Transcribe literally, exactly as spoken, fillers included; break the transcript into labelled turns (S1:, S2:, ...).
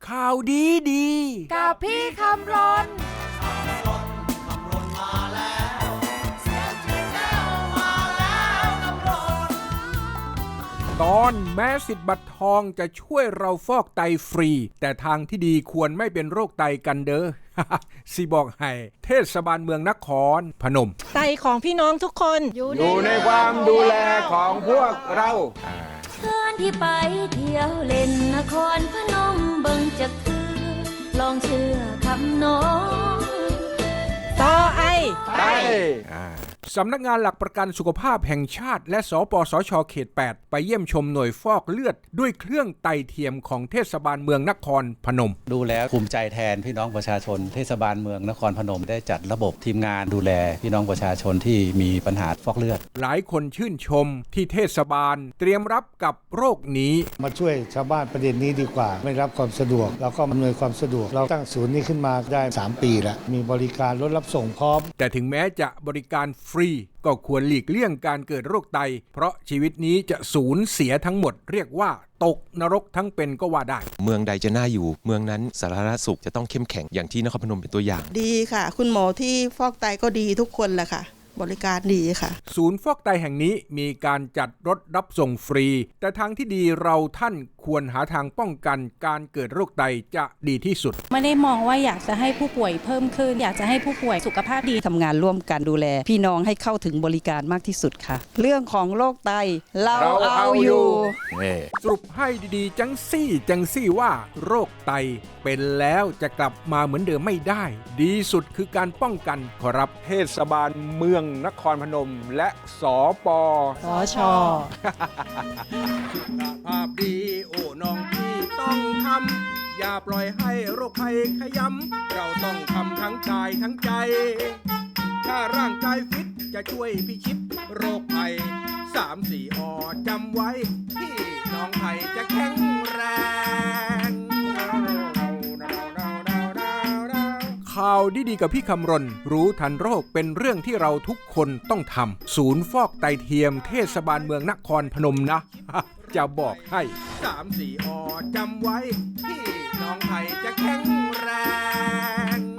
S1: ข่าวดีดี
S2: กับพี่คำรน
S1: ตอนแม้สิทธิ์บัตรทองจะช่วยเราฟอกไตฟรีแต่ทางที่ดีควรไม่เป็นโรคไตกันเด้อ สิบอกให้เทศบาลเมืองนครพนม
S3: ไตของพี่น้องทุกคน
S4: อยู่ในความดูแลของพวกเรา
S5: เพื่อนที่ไปเที่ยวเล่นนครพนมเบิ่งจักคือลองเชื่อคำน้อง
S3: ต่อไอ
S4: ไต
S1: สำนักงานหลักประกันสุขภาพแห่งชาติและสปสช.เขตแปดไปเยี่ยมชมหน่วยฟอกเลือดด้วยเครื่องไตเทียมของเทศบาลเมืองนครพนม
S6: ดูแล้วภูมิใจแทนพี่น้องประชาชนเทศบาลเมืองนครพนมได้จัดระบบทีมงานดูแลพี่น้องประชาชนที่มีปัญหาฟอกเลือด
S1: หลายคนชื่นชมที่เทศบาลเตรียมรับกับโรคนี้
S7: มาช่วยชาวบ้านประเด็นนี้ดีกว่าไม่รับความสะดวกแล้วก็อำนวยความสะดวกเราตั้งศูนย์นี้ขึ้นมาได้สามปีแล้วมีบริการรถรับส่งพร้อม
S1: แต่ถึงแม้จะบริการฟรีก็ควรหลีกเลี่ยงการเกิดโรคไตเพราะชีวิตนี้จะสูญเสียทั้งหมดเรียกว่าตกนรกทั้งเป็นก็ว่าได้
S8: เมืองใดจะน่าอยู่เมืองนั้นสาธารณสุขจะต้องเข้มแข็งอย่างที่นครพนมเป็นตัวอย่าง
S9: ดีค่ะคุณหมอที่ฟอกไตก็ดีทุกคนแหละค่ะบริการดีค่ะ
S1: ศูนย์ฟอกไตแห่งนี้มีการจัดรถรับส่งฟรีแต่ทางที่ดีเราท่านควรหาทางป้องกันการเกิดโรคไตจะดีที่สุด
S10: ไม่ได้มองว่าอยากจะให้ผู้ป่วยเพิ่มขึ้นอยากจะให้ผู้ป่วยสุขภาพดี
S11: ทำงานร่วมกันดูแลพี่น้องให้เข้าถึงบริการมากที่สุดค่ะเรื่องของโรคไตเราเอาอยู่
S1: สรุปให้ดีๆจังซี่จังซี่ว่าโรคไตเป็นแล้วจะกลับมาเหมือนเดิมไม่ได้ดีสุดคือการป้องกันขอรับเทศบาลเมืองนครพนมและสป
S3: สช
S1: สุขภาพดีโอ้น้องพี่ต้องทำอย่าปล่อยให้โรคภัยขยำเราต้องทำทั้งกายทั้งใจถ้าร่างกายฟิตจะช่วยพิชิตโรคภัยสามสี่อจำไว้พี่น้องไทยจะแข็งแรงข่าวดีๆกับพี่คำรณรู้ทันโรคเป็นเรื่องที่เราทุกคนต้องทำศูนย์ฟอกไตเทียมเทศบาลเมืองนครพนมนะ จะบอกให้สามสี่อจำไว้พี่น้องไทยจะแข็งแรง